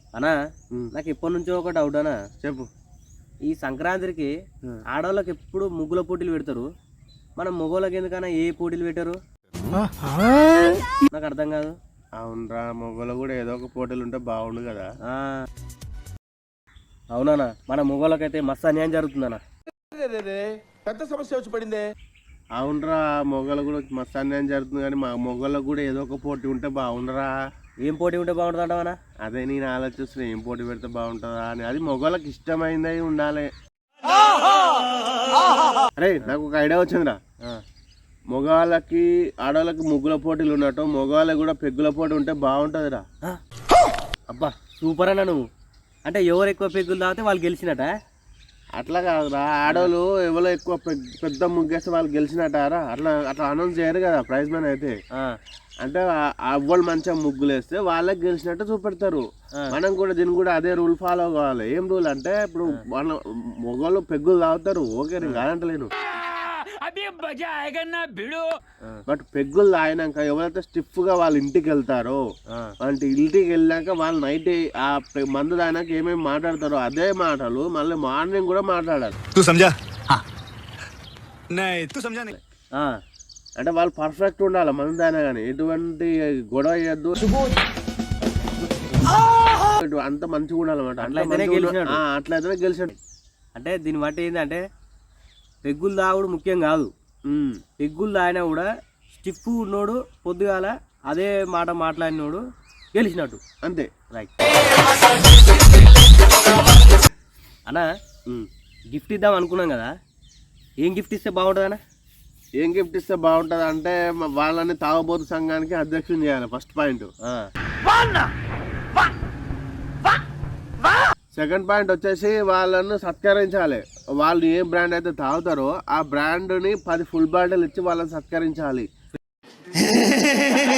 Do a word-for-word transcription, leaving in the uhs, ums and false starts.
అన్నా నాకు ఎప్పటి నుంచో ఒక డౌట్ అన్నా. చెప్పు. ఈ సంక్రాంతికి ఆడవాళ్ళకి ఎప్పుడు ముగ్గుల పోటీలు పెడతారు, మనం మగవాళ్ళకి ఎందుకన్నా ఏ పోటీలు పెట్టారు? నాకు అర్థం కాదు. అవునరా, మొగలు కూడా ఏదో ఒక పోటీలు ఉంటే బాగుండు కదా. అవునా, మన మొగోళ్ళకైతే మస్తు అన్యాయం జరుగుతుందన్నా. పెద్ద సమస్య వచ్చి పడిందే. అవునరా, మొగలు కూడా మస్తు అన్యాయం జరుగుతుంది, కానీ మా మొగలకు కూడా ఏదో ఒక పోటీ ఉంటే బాగుండరా. ఏం పోటీ ఉంటే బాగుంటుంది అంటావనా? అదే నేను ఆలోచిస్తున్నా, ఏం పోటీ పెడితే బాగుంటుందా అని. అది మొగలకు ఇష్టమైంది ఉండాలి. అరే నాకు ఒక ఐడియా వచ్చిందిరా. మగవాళ్ళకి ఆడవాళ్ళకి ముగ్గుల పోటీలు ఉన్నట్టు మగవాళ్ళకి కూడా పెగ్గుల పోటీ ఉంటే బాగుంటుందిరా. అబ్బా సూపర్ అన్న. నువ్వు అంటే ఎవరు ఎక్కువ పెగ్గులు తాగితే వాళ్ళు గెలిచినట? అట్లా కాదురా, ఆడవాళ్ళు ఎవరో ఎక్కువ పెద్ద ముగ్గేస్తే వాళ్ళు గెలిచినట్టారా. అట్లా అట్లా అనౌన్స్ చేయరు కదా ప్రైజ్ మనీ అయితే. అంటే అవ్వలు మంచిగా ముగ్గులు వేస్తే వాళ్ళకి గెలిచినట్టు చూపెడతారు. మనం కూడా దీన్ని కూడా అదే రూల్ ఫాలో కావాలి. ఏం రూల్ అంటే ఇప్పుడు మన మొగలు పెగ్గులు తాగుతారు, ఓకే, నేను కాదంటలేను. బట్ పెగ్గులు తాగినాక ఎవరైతే స్టిఫ్ గా వాళ్ళ ఇంటికి వెళ్తారో, వాళ్ళ ఇంటికి వెళ్ళాక వాళ్ళు నైట్ ఆ మందు తాగినాక ఏమేమి మాట్లాడతారో అదే మాటలు మళ్ళీ మార్నింగ్ కూడా మాట్లాడాలి. అంటే వాళ్ళు పర్ఫెక్ట్ ఉండాలి మందు తాగినా కానీ, ఎటువంటి గొడవ చేయద్దు, అంత మంచిగా ఉండాలన్నమాట. అట్లయితేనే గెలిచాడు. అంటే దీన్ని బట్టి ఏంటంటే పెగ్గులు తాగుడు ముఖ్యం కాదు. పెగ్గులు తాగినా కూడా స్టిఫ్ ఉన్నోడు పొద్దుగాల అదే మాట మాట్లాడినోడు గెలిచినట్టు అంతే. రైట్ అన్నా, గిఫ్ట్ ఇద్దాం అనుకున్నాం కదా, ఏం గిఫ్ట్ ఇస్తే బాగుంటుంది అన్న? ఏం గిఫ్ట్ ఇస్తే బాగుంటుంది అంటే వాళ్ళని తాగబోతు సంఘానికి అధ్యక్షుని చేయాలి ఫస్ట్ పాయింట్. సెకండ్ పాయింట్ వచ్చేసి వాళ్ళను సత్కరించాలి. వాళ్ళు ఏ బ్రాండ్ అయితే తాగుతారో ఆ బ్రాండ్ని పది ఫుల్ బాటిల్ ఇచ్చి వాళ్ళని సత్కరించాలి.